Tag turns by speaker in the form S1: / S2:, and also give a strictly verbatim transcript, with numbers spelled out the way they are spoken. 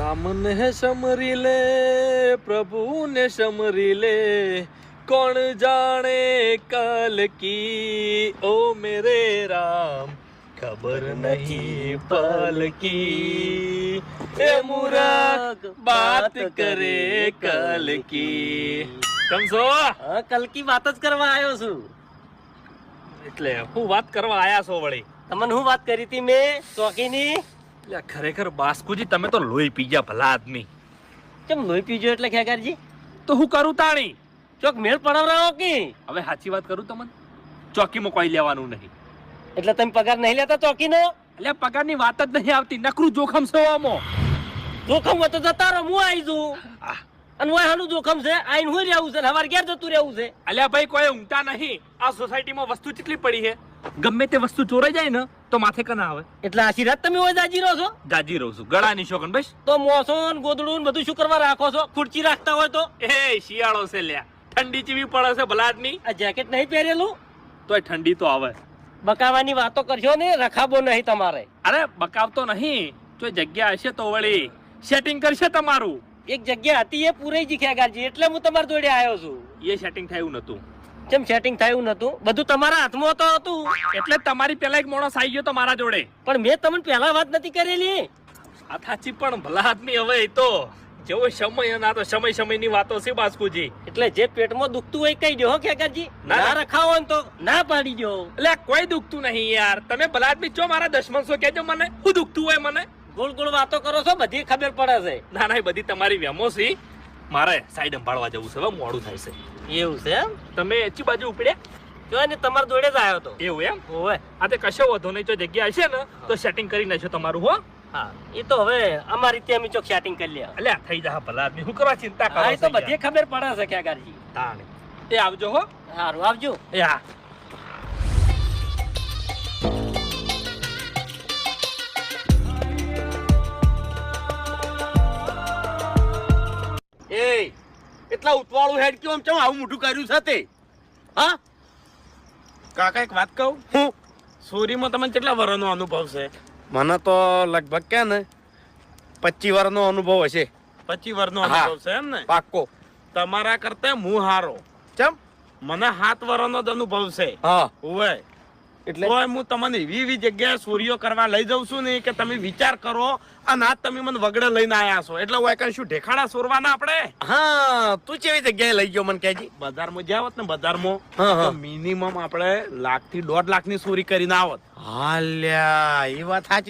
S1: राम ने समरी ले प्रभु ने समरी ले कौन जाने कल की ओ मेरे राम खबर नहीं पल की ए मूर्ख बात करे कल की કેમ છો?
S2: કલ કી વાત જ કરવા આવ્યો છું.
S1: એટલે હું વાત કરવા આયા છો વળી?
S2: તમને હું વાત કરી હતી મેં ચોકીની?
S1: એટલે ખરેખર બાસ્કુજી તમે તો લોહી પી ગયા ભલા આદમી.
S2: કેમ લોહી પીજો એટલે ખેગારજી?
S1: તો હું કરું તાણી?
S2: ચોક મેળ પડાવરાવો કે?
S1: હવે સાચી વાત કરું તમને, ચોકીમાં કોઈ લેવાનું નહીં.
S2: એટલે તમે પગાર નહીં લેતા ચોકીનો?
S1: એટલે પગારની વાત જ નહીં આવતી, નકરું જોખમ છે આમાં.
S2: જોખમ હોય તો જતા રહો, હું આવી જઉં. અને ઓય હાનું જોખમ છે, આઈને હું રહેવું છે, હવાર ઘેર જતું રહેવું છે.
S1: અલ્યા ભાઈ કોઈ ઊંઘતા નહીં. આ સોસાયટીમાં વસ્તુ કેટલી પડી છે, ગમે તે વસ્તુ ચોરાઈ જાય ને તો માથે કના આવે.
S2: એટલે આશીર્વાદ તમે ઓય જાજી રહો છો?
S1: જાજી રહું છું, ગળાની શોખન બસ.
S2: તો મોસોન ગોદડું બધું શું કરવા રાખો છો? ખુરચી રાખતા હોય તો?
S1: એ શિયાળો છે લ્યા, ઠંડી ચીવી પડે છે ભલા આદમી.
S2: આ જેકેટ નહીં પહેરેલું
S1: તોય ઠંડી તો આવે.
S2: બકાવાની વાતો કરશો ને, રખાબો નહીં તમારે.
S1: અરે બકાવતો નહીં, જો જગ્યા હશે તો વળી સેટિંગ કરશે તમારું.
S2: એક જગ્યા હતી એ પૂરી જી ખેગારજી, એટલે હું તમારા જોડે આવ્યો છું.
S1: એ સેટિંગ થયું નતું.
S2: કેમ સેટિંગ થયું નતું? બધું તમારા હાથમાં તો હતું.
S1: એટલે તમારી પેલા એક માણસ આવી ગયો તો મારા જોડે.
S2: પણ મેં તમને પહેલા વાત નથી કરેલી.
S1: આ સાચી પણ ભલા આદમી હવે તો જેવો સમય ના તો સમય સમયની વાતો છે બાસ્કુજી.
S2: એટલે જે પેટમાં દુખતું હોય કહી દો હો ખેગારજી. ના રખાવો ને તો ના પાડી દો.
S1: એટલે કોઈ દુખતું નહીં યાર. તમે ભલા આદમી છો મારા દુશ્મન છો, કહેજો મને શું દુખતું હોય. મને
S2: ગોળ ગોળ વાતો કરો છો, બધી ખબર પડે છે.
S1: ના ના બધી તમારી વેમો છે. મારે સાઈડ સંભાળવા જવું છે, હવે મોડું થાય છે.
S2: એવું છે એમ?
S1: તમે એચી બાજુ ઉપડ્યા?
S2: જો ને તમારા જોડે જ આવ્યો તો.
S1: એવું એમ?
S2: ઓવે.
S1: આ તે કશો વધો નહીં, જો જગ્યા હશે ને તો સેટિંગ કરી નાખજો તમારું. હો
S2: હા, એ તો હવે અમારી ત્યાં અમે ચોક સેટિંગ કરી લે.
S1: એટલે થઈ જા ભલા આદમી, શું કરવા ચિંતા કરો?
S2: હા, એ તો બધી ખબર પડે છે ખેગારજી.
S1: તાણે એ આવજો હો.
S2: સારું, આવજો.
S1: એ હા.
S2: એ એટલા ઉતવાળું હેડ કેમ ચમ આવું મોઢું કર્યું છે તે? હા
S3: કાકા એક વાત કહું,
S2: હું
S3: સોરીમાં તમને કેટલા વર્ષનો અનુભવ છે?
S4: મને તો લગભગ કે ને પચીસ વર્ષનો અનુભવ હશે.
S3: પચીસ વર્ષનો
S4: હા.
S3: અનુભવ છે એમ ને?
S4: પાક્કો.
S3: તમારા કરતા હું હારો.
S4: ચમ?
S3: મને સાત વર્ષનો જ અનુભવ છે.
S4: હા.
S3: ઓવે
S4: એટલે
S3: તોય હું તમને એવી એવી જગ્યાએ સોરીઓ કરવા લઈ જાઉં છું ને કે તમે વિચાર કરો, અને આજ તમે મને વગડે લઈને આયા છો, એટલે હું કઈ શું ઢેખાડા સોરવાના આપણે?
S4: હા, તું કેવી જગ્યાએ લઈ ગયો મને કહેજી.
S3: બજારમાં જ્યાં હોત ને બજારમાં
S4: હા, હા.
S3: તો મિનિમમ આપણે લાખ થી દોઢ લાખ ની ચોરી કરીને આવત.
S4: હાલ્યા, એ વાત સાચી.